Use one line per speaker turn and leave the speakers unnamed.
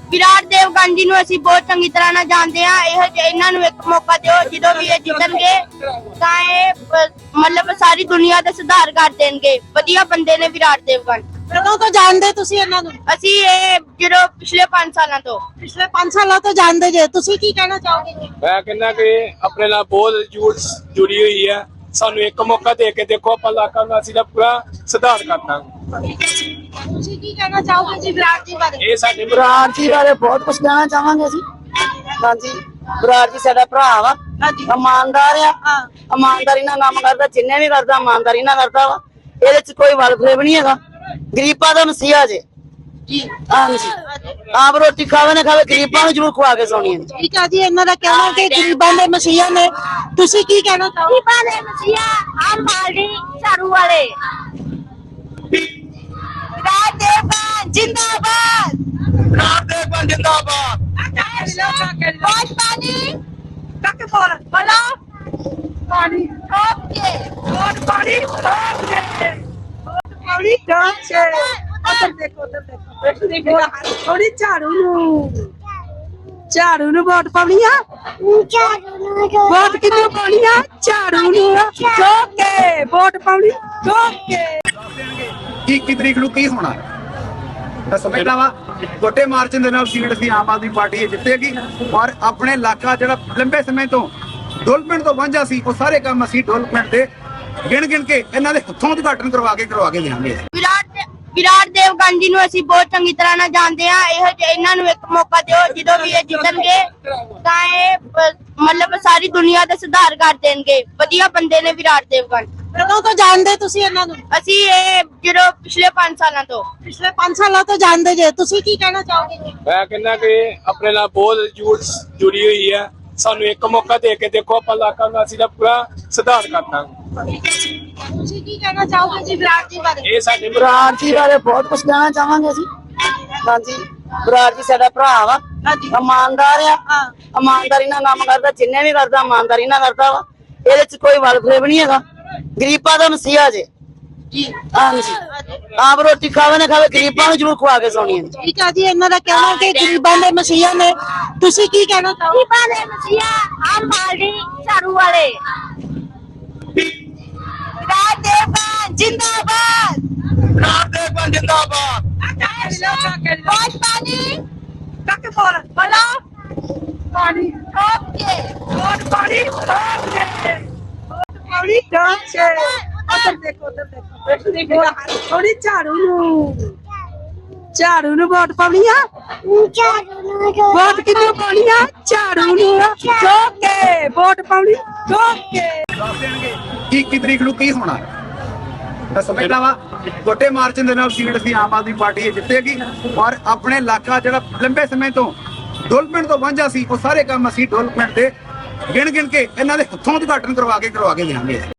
ਵਿਰਾਟ ਦੇਵਗਨ ਜੀ ਨੂੰ ਅਸੀਂ ਬਹੁਤ ਚੰਗੀ ਤਰ੍ਹਾਂ ਨਾਲ ਜਾਣਦੇ ਹਾਂ। ਇਹਨਾਂ ਨੂੰ ਇੱਕ ਮੌਕਾ ਦਿਓ, ਜਦੋਂ ਵੀ ਇਹ ਜਿੱਤਣਗੇ ਤਾਂ ਇਹ ਮਤਲਬ ਸਾਰੀ ਦੁਨੀਆ ਦਾ ਸੁਧਾਰ ਕਰ ਦੇਣਗੇ। ਵਧੀਆ ਬੰਦੇ ਨੇ ਵਿਰਾਟ ਦੇਵਗਨ।
ਕਦੋਂ ਤੋਂ ਜਾਣਦੇ ਤੁਸੀਂ ਇਹਨਾਂ ਨੂੰ?
ਅਸੀਂ ਇਹ ਜਦੋਂ ਪਿਛਲੇ 5 ਸਾਲਾਂ ਤੋਂ
ਪਿਛਲੇ 5 ਸਾਲਾਂ ਤੋਂ ਜਾਣਦੇ ਜੇ। ਤੁਸੀਂ ਕੀ ਕਹਿਣਾ ਚਾਹੋਗੇ ਜੀ?
ਮੈਂ ਕਹਿੰਦਾ ਕਿ ਆਪਣੇ ਨਾਲ ਬਹੁਤ ਜੁੜੀ ਹੋਈ ਹੈ। ਸਾਨੂੰ ਇੱਕ ਮੌਕਾ ਦੇ ਕੇ ਦੇਖੋ, ਆਪਾਂ ਇਲਾਕਾ ਨਿਵਾਸੀ ਦਾ ਪੂਰਾ ਸੁਧਾਰ ਕਰਨਾ।
ਤੁਸੀਂ ਕੀ ਕਹਿਣਾ ਚਾਹੋਗੇ ਜੀ ਵਿਰਾਟ ਜੀ ਬਾਰੇ?
ਇਹ ਸਾਡੇ
ਵਿਰਾਟ ਜੀ ਬਾਰੇ ਬਹੁਤ ਕੁਝ ਕਹਿਣਾ ਚਾਹਾਂਗੇ ਅਸੀਂ। ਹਾਂਜੀ, ਵਿਰਾਟ ਜੀ ਸਾਡਾ ਭਰਾ ਵਾ, ਇਮਾਨਦਾਰ ਆ। ਇਮਾਨਦਾਰੀ ਨਾਲ ਕੰਮ ਕਰਦਾ, ਜਿੰਨੇ ਵੀ ਕਰਦਾ ਇਮਾਨਦਾਰੀ ਨਾਲ ਕਰਦਾ ਵਾ। ਇਹਦੇ ਚ ਕੋਈ ਵਲਫੇਵ ਨਹੀਂ ਹੈਗਾ। ਗਰੀਬਾਂ ਦਾ ਮਸੀਹਾ ਜੇ
ਜੀ।
ਹਾਂਜੀ, ਆਪ ਰੋਟੀ ਖਾਵੇ ਨਾ ਖਾਵੇ, ਗਰੀਬਾਂ ਨੂੰ ਜ਼ਰੂਰ ਖਵਾ ਕੇ ਸੌਣੀ ਹੈ।
ਠੀਕ ਆ ਜੀ, ਇਹਨਾਂ ਦਾ ਕਹਿਣਾ ਕਿ ਗਰੀਬਾਂ ਦੇ ਮਸੀਹਾ ਨੇ। ਤੁਸੀਂ ਕੀ ਕਹਿਣਾ ਚਾਹੋਗੇ?
ਗਰੀਬਾਂ ਦੇ ਮਸੀਹਾ ਆਮ ਪਾਰਟੀ ਝਾੜੂ ਵਾਲੇ। ਵਿਰਾਟ ਦੇਵਗਨ ਜਿੰਦਾਬਾਦ।
ਵਿਰਾਟ ਦੇਵਗਨ ਜਿੰਦਾਬਾਦ।
ਬਹੁਤ ਪਾਣੀ ਤੱਕ ਬੋਲੋ ਪਾਣੀ ਓਕੇ ਬਹੁਤ ਪਾਣੀ ਓਕੇ
ਥੋੜੀ ਡਾਂਸ ਉਧਰ ਦੇਖੋ, ਉਧਰ ਦੇਖੋ। ਥੋੜੀ ਝਾੜੂ ਨੂੰ ਵੋਟ ਪਾਉਣੀ ਆ। ਵੋਟ ਕਿਹਨੂੰ ਪਾਉਣੀ ਆ? ਝਾੜੂ ਨੂੰ। ਓਕੇ, ਵੋਟ ਪਾਉਣੀ। ਓਕੇ।
21 ਤਰੀਕ ਨੂੰ ਕੀ ਹੋਣਾ ਤਾਂ ਸਮਝਦਾ ਵਾ। ਵੱਡੇ ਮਾਰਜਨ ਦੇ ਨਾਲ ਸੀਟ ਅਸੀਂ ਆਮ ਆਦਮੀ ਪਾਰਟੀ ਜਿੱਤੇਗੀ। ਔਰ ਆਪਣੇ ਇਲਾਕਾ ਜਿਹੜਾ ਲੰਬੇ ਸਮੇਂ ਤੋਂ ਡਿਵੈਲਪਮੈਂਟ ਤੋਂ ਵਾਂਝਾ ਸੀ, ਉਹ ਸਾਰੇ ਕੰਮ ਅਸੀਂ ਡਿਵੈਲਪਮੈਂਟ ਦੇ ਗਿਣ ਕੇ ਇਹਨਾਂ ਦੇ ਹੱਥੋਂ ਉਦਘਾਟਨ ਕਰਵਾ ਕੇ ਦੇਵਾਂਗੇ।
ਵਿਰਾਟ ਦੇਵਗਨ ਜੀ ਨੂੰ ਅਸੀਂ ਬਹੁਤ ਚੰਗੀ ਤਰ੍ਹਾਂ ਨਾਲ ਜਾਣਦੇ ਹਾਂ। ਇਹਨਾਂ ਨੂੰ ਇੱਕ ਮੌਕਾ ਦਿਓ, ਜਦੋਂ ਵੀ ਇਹ ਜਿੱਤਣਗੇ ਤਾਂ ਇਹ ਮਤਲਬ ਸਾਰੀ ਦੁਨੀਆ ਦਾ ਸੁਧਾਰ ਕਰ ਦੇਣਗੇ। ਵਧੀਆ ਬੰਦੇ ਨੇ ਵਿਰਾਟ ਦੇਵਗਨ।
ਕਦੋਂ ਤੋਂ ਜਾਣਦੇ ਤੁਸੀਂ ਇਹਨਾਂ ਨੂੰ?
ਅਸੀਂ ਇਹ ਜਦੋਂ ਪਿਛਲੇ 5 ਸਾਲਾਂ ਤੋਂ
ਪਿਛਲੇ 5 ਸਾਲਾਂ ਤੋਂ ਜਾਣਦੇ ਜੇ। ਤੁਸੀਂ ਕੀ ਕਹਿਣਾ ਚਾਹੋਗੇ ਜੀ?
ਮੈਂ ਕਹਿੰਦਾ ਕਿ ਆਪਣੇ ਨਾਲ ਬਹੁਤ ਜੁੜੀ ਹੋਈ ਹੈ। ਸਾਨੂੰ ਇੱਕ ਮੌਕਾ ਦੇ ਕੇ ਦੇਖੋ, ਆਪਾਂ ਇਲਾਕਾ ਨਿਵਾਸੀ ਦਾ ਪੂਰਾ ਸੁਧਾਰ ਕਰਨਾ।
ਤੁਸੀਂ ਕੀ ਕਹਿਣਾ ਚਾਹੋਗੇ ਜੀ ਵਿਰਾਟ ਜੀ ਬਾਰੇ?
ਇਹ ਸਾਡੇ
ਵਿਰਾਟ ਜੀ ਬਾਰੇ ਬਹੁਤ ਕੁਝ ਕਹਿਣਾ ਚਾਹਾਂਗੇ ਅਸੀਂ। ਹਾਂਜੀ, ਵਿਰਾਟ ਜੀ ਸਾਡਾ ਭਰਾ ਵਾ, ਇਮਾਨਦਾਰ ਆ। ਇਮਾਨਦਾਰੀ ਨਾਲ ਕੰਮ ਕਰਦਾ, ਜਿੰਨੇ ਵੀ ਕਰਦਾ ਇਮਾਨਦਾਰੀ ਨਾਲ ਕਰਦਾ ਵਾ। ਇਹਦੇ ਚ ਕੋਈ ਵਲਫੇਵ ਨਹੀਂ ਹੈਗਾ। ਗਰੀਬਾਂ ਦਾ ਮਸੀਹਾ ਜੇ
ਜੀ।
ਹਾਂਜੀ, ਆਪ ਰੋਟੀ ਖਾਵੇ ਨਾ ਖਾਵੇ, ਗਰੀਬਾਂ ਨੂੰ ਜ਼ਰੂਰ ਖਵਾ ਕੇ ਸੌਣੀ ਹੈ।
ਠੀਕ ਆ ਜੀ, ਇਹਨਾਂ ਦਾ ਕਹਿਣਾ ਕਿ ਗਰੀਬਾਂ ਦੇ ਮਸੀਹਾ ਨੇ। ਤੁਸੀਂ ਕੀ ਕਹਿਣਾ ਚਾਹੋਗੇ?
ਗਰੀਬਾਂ ਦੇ ਮਸੀਹਾ ਆਮ ਪਾਰਟੀ ਝਾੜੂ ਵਾਲੇ। ਵਿਰਾਟ ਦੇਵਗਨ ਜਿੰਦਾਬਾਦ।
ਵਿਰਾਟ ਦੇਵਗਨ ਜਿੰਦਾਬਾਦ।
ਬਹੁਤ ਪਾਣੀ ਤੱਕ ਬੋਲੋ ਪਾਣੀ ਓਕੇ ਬਹੁਤ ਪਾਣੀ ਓਕੇ
ਥੋੜੀ ਡਾਂਸ ਉਧਰ ਦੇਖੋ, ਉਧਰ ਦੇਖੋ। ਥੋੜੀ ਝਾੜੂ ਨੂੰ ਵੋਟ ਪਾਉਣੀ ਆ। ਵੋਟ ਕਿਹਨੂੰ ਪਾਉਣੀ ਆ? ਝਾੜੂ ਨੂੰ। ਓਕੇ, ਵੋਟ ਪਾਉਣੀ। ਓਕੇ।
21 ਤਰੀਕ ਨੂੰ ਕੀ ਹੋਣਾ ਤਾਂ ਸਮਝਦਾ ਵਾ। ਵੱਡੇ ਮਾਰਜਨ ਦੇ ਨਾਲ ਸੀਟ ਅਸੀਂ ਆਮ ਆਦਮੀ ਪਾਰਟੀ ਜਿੱਤੇਗੀ। ਔਰ ਆਪਣੇ ਇਲਾਕਾ ਜਿਹੜਾ ਲੰਬੇ ਸਮੇਂ ਤੋਂ ਡਿਵੈਲਪਮੈਂਟ ਤੋਂ ਵਾਂਝਾ ਸੀ, ਉਹ ਸਾਰੇ ਕੰਮ ਅਸੀਂ ਡਿਵੈਲਪਮੈਂਟ ਦੇ ਗਿਣ ਕੇ ਇਹਨਾਂ ਦੇ ਹੱਥੋਂ ਉਦਘਾਟਨ ਕਰਵਾ ਕੇ ਦੇਵਾਂਗੇ।